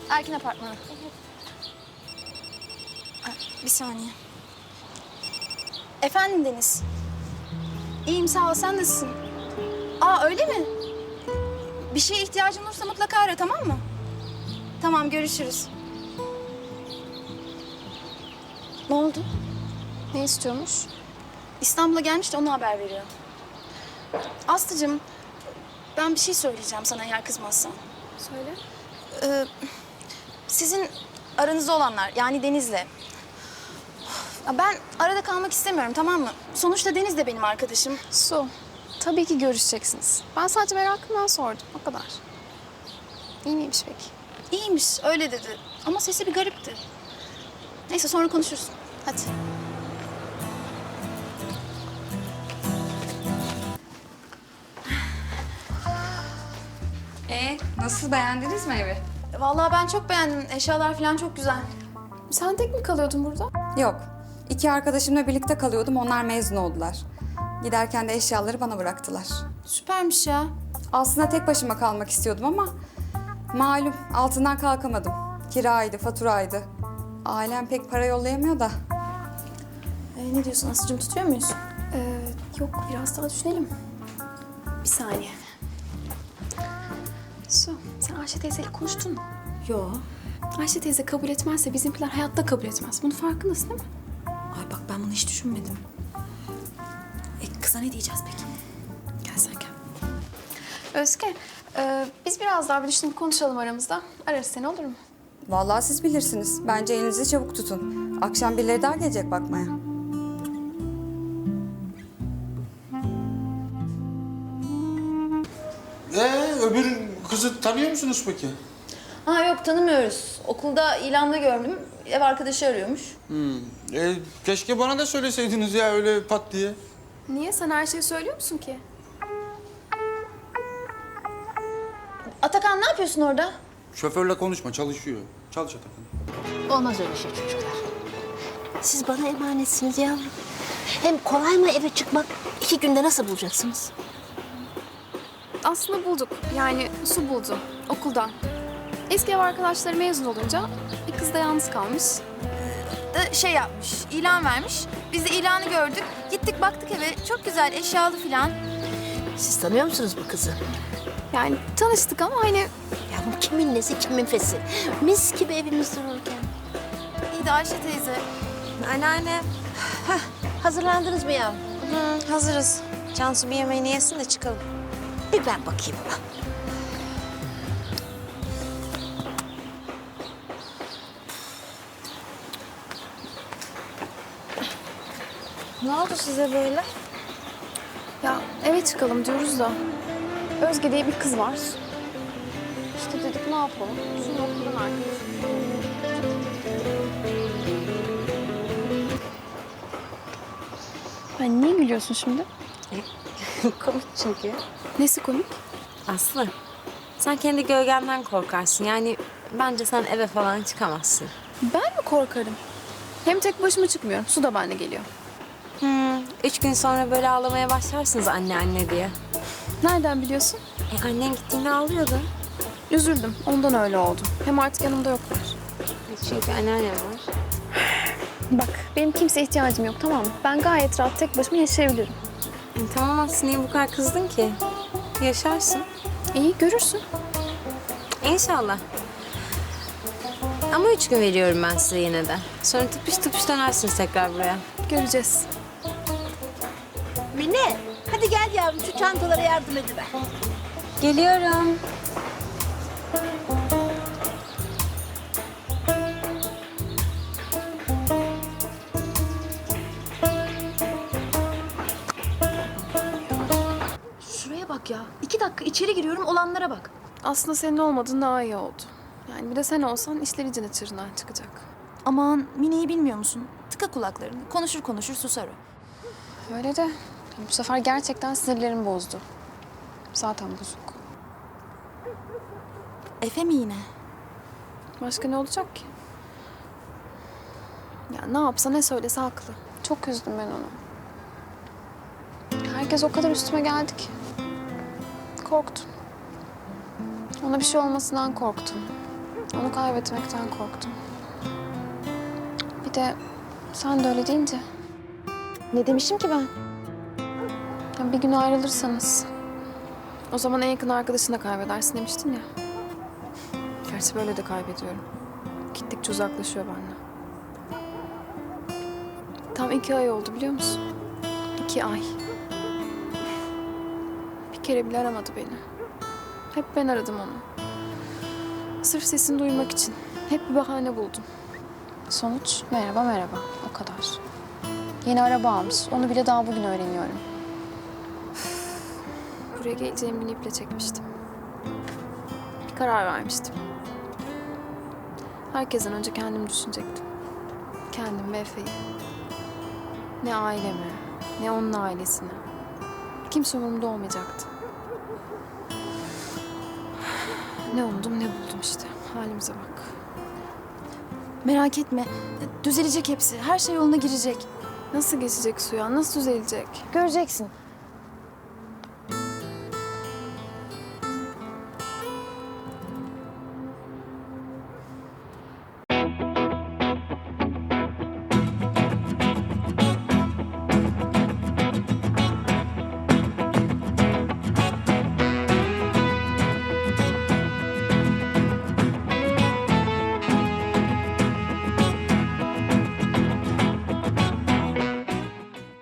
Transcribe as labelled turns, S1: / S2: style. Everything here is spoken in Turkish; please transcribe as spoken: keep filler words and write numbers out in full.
S1: Erkin Apartmanı. Ha, bir saniye. Efendim Deniz. İyiyim sağ ol, sen nasılsın? Aa öyle mi? Bir şeye ihtiyacın olursa mutlaka ara, tamam mı? Tamam, görüşürüz. Ne oldu?
S2: Ne istiyormuş?
S1: İstanbul'a gelmiş de ona haber veriyor. Aslıcığım, ben bir şey söyleyeceğim sana eğer kızmazsan.
S2: Söyle.
S1: Ee, sizin aranızda olanlar, yani Deniz'le. Ya ben arada kalmak istemiyorum, tamam mı? Sonuçta Deniz de benim arkadaşım.
S2: Su, tabii ki görüşeceksiniz. Ben sadece merakımdan sordum, o kadar. İyi miymiş peki?
S1: İyiymiş, öyle dedi. Ama sesi bir garipti. Neyse, sonra konuşuruz. Hadi.
S3: Ee, nasıl, beğendiniz mi evi?
S1: Vallahi ben çok beğendim. Eşyalar falan çok güzel.
S2: Sen tek mi kalıyordun burada?
S3: Yok. İki arkadaşımla birlikte kalıyordum. Onlar mezun oldular. Giderken de eşyaları bana bıraktılar.
S1: Süpermiş ya.
S3: Aslında tek başıma kalmak istiyordum ama malum altından kalkamadım. Kiraydı, faturaydı. Ailem pek para yollayamıyor da.
S1: Ee, ne diyorsun Aslı'cığım, tutuyor muyuz?
S2: Ee, yok, biraz daha düşünelim. Bir saniye. Su, sen Ayşe teyzeyle konuştun mu?
S1: Yo.
S2: Ayşe teyze kabul etmezse bizimkiler hayatta kabul etmez. Bunun farkındasın değil mi?
S1: Ay bak, ben bunu hiç düşünmedim. E kıza ne diyeceğiz peki?
S2: Gel sen gel. Özge, e, biz biraz daha bir düşünüp konuşalım aramızda. Ararız seni, olur mu?
S3: Vallahi siz bilirsiniz. Bence elinizi çabuk tutun. Akşam birileri daha gelecek bakmaya.
S4: Ee, öbür kızı tanıyor musunuz peki?
S5: Ha yok, tanımıyoruz. Okulda ilanda gördüm. Ev arkadaşı arıyormuş.
S4: Hmm. E, keşke bana da söyleseydiniz ya öyle pat diye.
S2: Niye? Sen her şeyi söylüyor musun ki?
S5: Atakan, ne yapıyorsun orada?
S4: Şoförle konuşma, çalışıyor. Çalış Atakan.
S6: Olmaz öyle şey çocuklar. Siz bana emanetsiniz yavrum. Hem kolay mı eve çıkmak? İki günde nasıl bulacaksınız?
S2: Aslında bulduk. Yani Su buldu. Okuldan. Eski ev arkadaşları mezun olunca bir kız da yalnız kalmış.
S1: Da şey yapmış, ilan vermiş. Biz de ilanı gördük. Gittik baktık eve. Çok güzel, eşyalı falan.
S6: Siz tanıyor musunuz bu kızı?
S2: Yani tanıştık ama hani
S6: Ya bu kimin nesi kimin fesi? Mis gibi evimiz dururken.
S1: İyi de Ayşe teyze.
S7: Anneanne,
S6: Hazırlandınız mı yavrum?
S7: hı, hazırız. Cansu bir yemeğini yesin de çıkalım.
S6: Bir ben bakayım ona.
S7: Ne oldu size böyle?
S2: ya eve çıkalım diyoruz da Özge diye bir kız var. İşte dedik ne yapalım? Su'nun okuldan arkadaşı. Ben niye gülüyorsun şimdi?
S7: Komik çünkü.
S2: Nesi komik?
S7: Aslı, sen kendi gölgenden korkarsın. Yani bence sen eve falan çıkamazsın.
S2: Ben mi korkarım? Hem tek başıma çıkmıyorum. Su da benimle geliyor.
S7: Hmm, üç gün sonra böyle ağlamaya başlarsınız anne anne diye.
S2: Nereden biliyorsun?
S7: E, annen gittiğinde ağlıyordu.
S2: Üzüldüm. Ondan öyle oldu. Hem artık yanımda yoklar.
S7: Çünkü anneannem var.
S2: Bak, benim kimseye ihtiyacım yok, tamam mı? Ben gayet rahat tek başıma yaşayabilirim.
S7: E, tamam Aslı, niye bu kadar kızdın ki? Yaşarsın.
S2: İyi, görürsün.
S7: İnşallah. Ama üç gün veriyorum ben size yine de. Sonra tıpış tıpış dönersiniz tekrar buraya.
S2: Göreceğiz.
S6: Mine, hadi gel yavrum şu çantalara yardım ediver.
S7: Geliyorum.
S1: Şuraya bak ya. İki dakika içeri giriyorum, olanlara bak.
S2: Aslında senin olmadığın daha iyi oldu. Yani bir de sen olsan işler icine çığırından çıkacak.
S1: Aman, Mine'yi bilmiyor musun? Tıka kulaklarını. Konuşur konuşur susar o.
S2: Öyle de bu sefer gerçekten sinirlerimi bozdu. Zaten bozuk.
S1: Efe mi yine?
S2: Başka ne olacak ki? Ya ne yapsa ne söylese haklı. Çok üzdüm ben onu. Herkes o kadar üstüme geldi ki. Korktum. Ona bir şey olmasından korktum. Onu kaybetmekten korktum. Bir de sen de öyle deyince.
S5: Ne demişim ki ben?
S2: Ya bir gün ayrılırsanız o zaman en yakın arkadaşını da kaybedersin demiştin ya. Gerçi böyle de kaybediyorum. Gittikçe uzaklaşıyor benden. Tam iki ay oldu biliyor musun? İki ay. Bir kere bile aramadı beni. Hep ben aradım onu. Sırf sesini duymak için. Hep bir bahane buldum. Sonuç merhaba merhaba. O kadar. Yeni araba almış. Onu bile daha bugün öğreniyorum. Buraya geleceğim günü iple çekmiştim. Bir karar vermiştim. Herkesten önce kendimi düşünecektim. Kendim ve Efe'yi. Ne ailemi, ne onun ailesini. Kimse umurumda olmayacaktı. Ne umdum ne buldum işte. Halimize bak.
S1: Merak etme. Düzelecek hepsi. Her şey yoluna girecek.
S2: Nasıl geçecek suya? Nasıl düzelecek?
S5: Göreceksin.